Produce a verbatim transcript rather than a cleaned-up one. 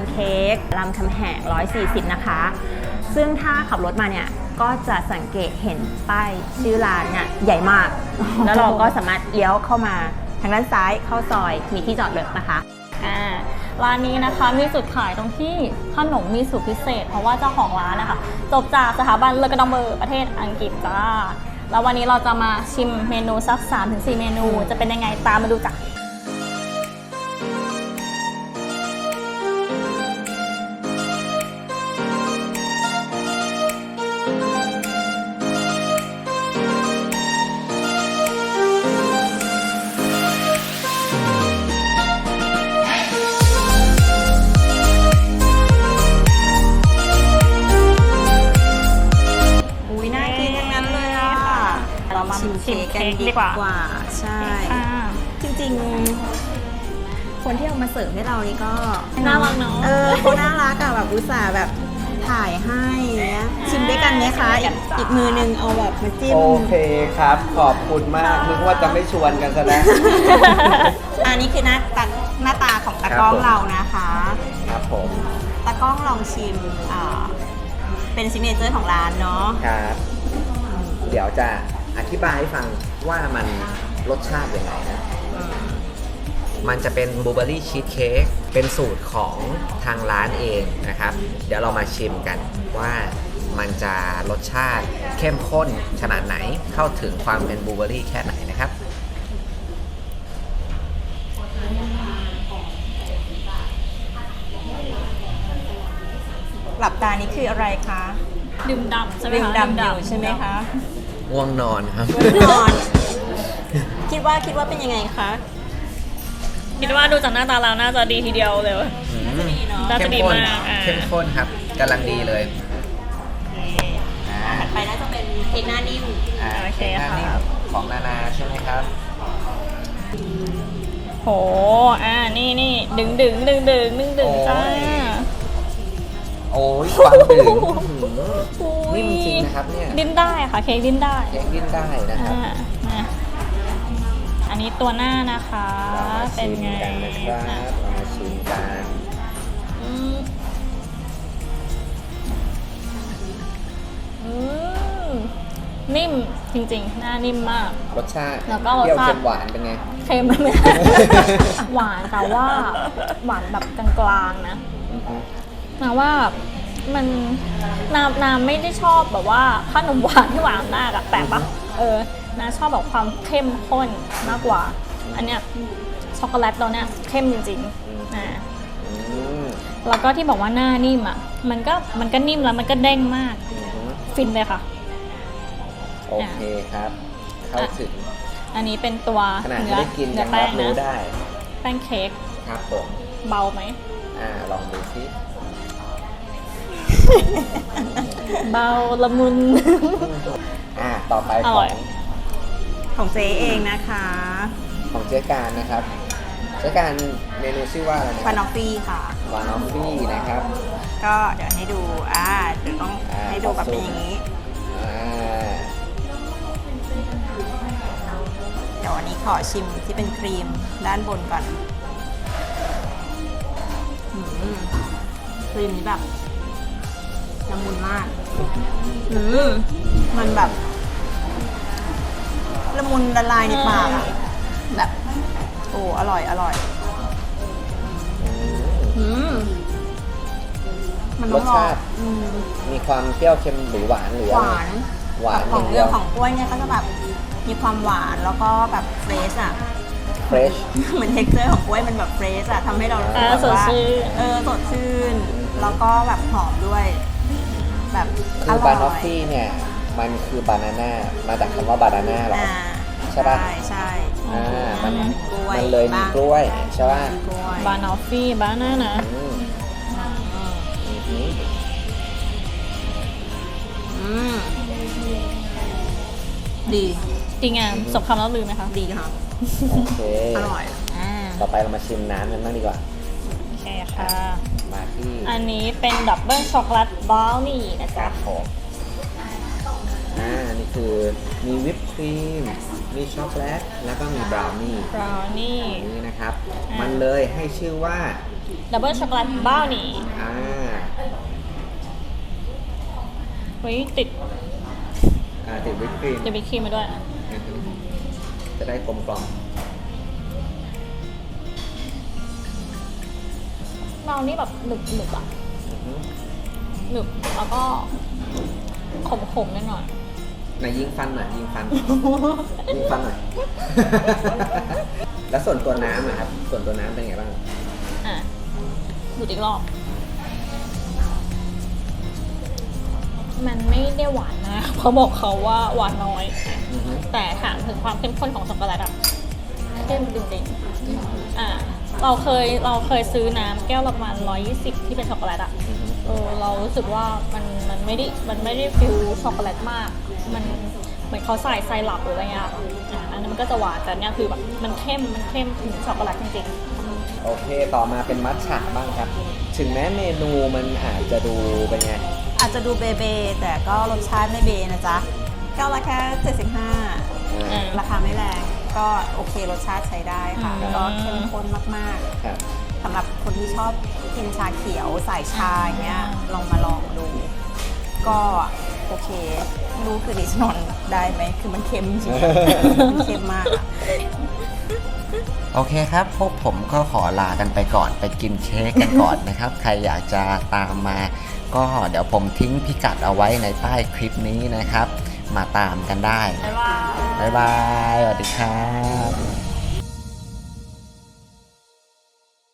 เค้กรามคำแหงหนึ่งร้อยสี่สิบนะคะซึ่งถ้าขับรถมาเนี่ยก็จะสังเกตเห็นป้ายชื่อร้านเนี่ยใหญ่มากแล้วเราก็สามารถเลี้ยวเข้ามาทางด้านซ้ายเข้าซอยมีที่จอดรถนะคะอ่าร้านนี้นะคะมีจุดขายตรงที่ขนมมีสูตรพิเศษเพราะว่าเจ้าของร้านนะคะจบจากสถาบันเลอกระดองเบอร์ประเทศอังกฤษจ้าแล้ววันนี้เราจะมาชิมเมนูสัก สามถึงสี่ เมนูจะเป็นยังไงตามมาดูจ้ะชิมเค้กกันดีกว่าใช่จริงๆคนที่เอามาเสิร์ฟให้เรานี่ก็น่ารักเนาะเออเขาน่ารักอะแบบอุตส่าห์แบบถ่ายให้เนี้ยชิมด้วยกันไหมคะอีกอีกมือนึงเอาแบบมาจิ้มโอเคครับขอบคุณมากนึกว่าจะไม่ชวนกันซะแล้วอันนี้คือหน้าตาหน้าตาของตากล้องเรานะคะครับผมตากล้องลองชิมอ่าเป็นซิกเนเจอร์ของร้านเนาะครับเดี๋ยวจะอธิบายให้ฟังว่ามันรสชาติยังไงนะมันจะเป็นบลูเบอร์รี่ชีสเค้กเป็นสูตรของทางร้านเองนะครับเดี๋ยวเรามาชิมกันว่ามันจะรสชาติเข้มข้นขนาดไหนเข้าถึงความเป็นบลูเบอร์รี่แค่ไหนนะครับหลับตานี่คืออะไรคะดื่มดำใช่ไหมคะดื่มดำอยู่ใช่ไหมคะง่วงนอนครับง่วงนอนคิดว่าคิดว่าเป็นยังไงคะคิดว่าดูจากหน้าตาเราน่าจะดีทีเดียวเลยน่าจะดีมากเข้มข้นครับกำลังดีเลยถัดไปน่าจะเป็นเค้กหน้านิ่มโอเคค่ะของนานาใช่ไหมครับโหอ่านี่นี่ดึงดึงดึงดึงดึงดึงจ้าโอ้ยความดึงนิ่มจริงนะครับเนี่ยดิ้นได้ค่ะเค้กดิ้นได้เค้กดิ้นได้นะครับอันนี้ตัวหน้านะคะเป็นไงนะครับมาชิมกันนิ่มจริงๆหน้านิ่มมากรสชาติแล้วก็รสชาติหวานเป็นไงเค็มไหมหวานแต่ว่าหวานแบบกลางๆนะนะว่ามันน้ำน้ำไม่ได้ชอบแบบว่าขนมหวานที่หวานมากอะแปลกปะเออน้าชอบแบบความเข้มข้นมากกว่าอันเนี้ยช็อกโกแลตตัวเนี้ยเข้มจริงๆนะแล้วก็ที่บอกว่าหน้านิ่มอะมันก็มันก็นิ่มแล้วมันก็เด้งมากฟินเลยค่ะโอเคครับเข้าถึงอันนี้เป็นตัวขนาดไม่ได้กินยังรับรู้ได้แป้งเค้กครับผมเบาไหมอ่าลองดูซิเบาละมุนอ่าต่อไปของของเจ๊เองนะคะของเจ๊การนะครับเจ๊การเมนูชื่อว่าอะไรนะวานอฟฟี่ค่ะวานอฟฟี่นะครับก็เดี๋ยวให้ดูอ่าเดี๋ยวต้องให้ดูแบบเป็นอย่างนี้เดี๋ยววันนี้ขอชิมที่เป็นครีมด้านบนก่อนครีมนี้แบบละมุนมากอืมมันแบบละมุนละลายในปากอะแบบโอ้อร่อยอร่อยอืมมันรสชาติมีความเปรี้ยวเค็มหรือหวานหรือหวานหวานของเรื่องของกล้วยเนี่ยก็จะแบบมีความหวานแล้วก็แบบเฟรชอะเฟรชเหมือนเท็กเจอร์ของกล้วยมันแบบเฟรชอะทำให้เรารู้สึกแบบว่าเออสดชื่นแล้วก็แบบหอมด้วยแบบคือบานอฟฟี่เนี่ยมันคือบานาน่ามาจากคำว่าบานาน่าหรอใช่ป่ะใช่ใช่อ่ามันมันเลยมีกล้วยใช่ป่ะบานอฟฟี่บานาน่าดีดีงามสมคำแล้วลืมไหมคะดีค่ะโอเคอร่อยต่อไปเรามาชิมน้ำกันบ้างดีกว่าโอเคค่ะมาที่อันนี้เป็นดับเบิลช็อกโกแลตบราวนี่นะจ๊ะอ่านี่คือมีวิปครีมมีช็อกโกแลตแล้วก็มีบราวนี่บราวนี่นี่นะครับมันเลยให้ชื่อว่าดับเบิลช็อกโกแลตบ้าวนี่อ่าเฮ้ยติดอ่าติดวิปครีมเดบิครีมมาด้วยอือฮึจะได้กลมกล่อมบราวนี่แบบหนึบหนึบๆอะอือฮึหนึบแล้วก็ขมขมๆนิดหน่อยไหนยิงฟันหน่อยยิงฟัน ยิงฟันหน่อย แล้วส่วนตัวน้ำนะครับ ส่วนตัวน้ำเป็นไงบ้างอ่ะดูดอีกรอบ มันไม่ได้หวานนะเขาบอกเขาว่าหวานน้อยอือฮึแต่ถามถึงความเข้มข้นของช็อกโกแลตอะเข้มจริงๆอ่าเราเคยเราเคยซื้อน้ำแก้วละประมาณร้อยยี่สิบที่เป็นช็อกโกแลตอะอือฮึเออเรารู้สึกว่ามันมันไม่ได้มันไม่ได้ฟิลช็อกโกแลตมาก มันเหมือนเขาใส่ไซรัปหรืออะไรเงี้ยอ่าอันนั้นมันก็จะหวานแต่เนี่ยคือแบบมันเข้มมันเข้มถึงช็อกโกแลตจริงโอเค ต่อมาเป็นมัทฉะบ้างครับ ถึงแม้เมนูมันอาจจะดูเป็นไงอาจจะดูเบเบแต่ก็รสชาติไม่เบนะจ๊ะแก้วละแค่เจ็ดสิบห้าๆอ่าราคาไม่แรง ก็โอเครสชาติใช้ได้ค่ะอืมก็เข้มข้นมากครับๆสำหรับคนที่ชอบกินชาเขียวใส่ชาอย่างเงี้ยลองมาลองดู ก็โอเคไม่รู้คือดิฉันนอนได้ไหมคือมันเค็มจริงๆมันเค็มมากอะโอเคครับ พวกผมก็ขอลากันไปก่อนไปกินเค้กกันก่อนนะครับ ใครอยากจะตามมา ก็เดี๋ยวผมทิ้งพิกัดเอาไว้ในใต้คลิปนี้นะครับ มาตามกันได้บ๊ายบายบ๊ายบาย สวัสดีครับ